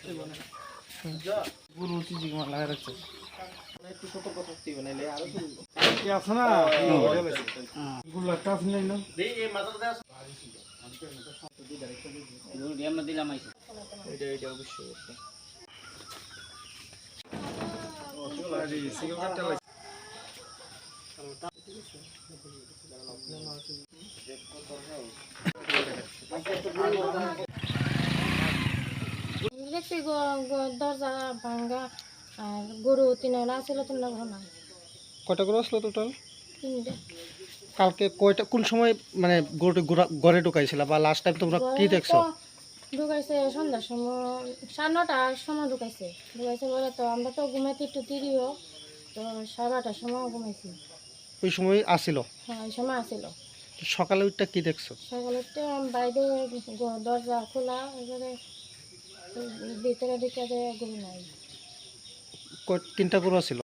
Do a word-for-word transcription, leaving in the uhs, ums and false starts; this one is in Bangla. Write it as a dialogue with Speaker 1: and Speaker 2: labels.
Speaker 1: গরু চিজি মার লাগা রাখছে
Speaker 2: একটু সতর্ক থাকতে হবে নাইলে আরো চলবে
Speaker 1: কি আছে না গুলো কাজ নেই না
Speaker 2: দেই এই মাথাটা দাও গরু ডিয়াম দিলাম আইছে এটা এটা অবশ্যই
Speaker 1: ও চলে সিঙ্গেল কাটতে লাগে
Speaker 3: দেখছি দরজা ভাঙ্গা আর গরু তিনটা ছিল তিনটা ঘর না
Speaker 4: কয়টা গরু আসলো টোটাল?
Speaker 3: তিনটে
Speaker 4: কালকে কয়টা কোন সময় মানে গরুটি ঘরে ঢুকাইছিল বা লাস্ট টাইম তোমরা কি দেখছো?
Speaker 3: ঢুকাইছে সন্ধ্যার সময় সাড়ে নটার সময় ঢুকাইছে ঢুকাইছে বলে তো আমরা তো ঘুমাইতে একটু দেরিও তো সাড়ে বারোটার সময় ঘুমাইছি।
Speaker 4: ওই সময় আসিল?
Speaker 3: হ্যাঁ ওই সময় আসিল।
Speaker 4: সকালে ওইটা কি দেখছো?
Speaker 3: সকালে তো বাইরে দরজা খোলা এবারে ভিতরে দিকে গরু নাই।
Speaker 4: তিনটা গরু আসিল?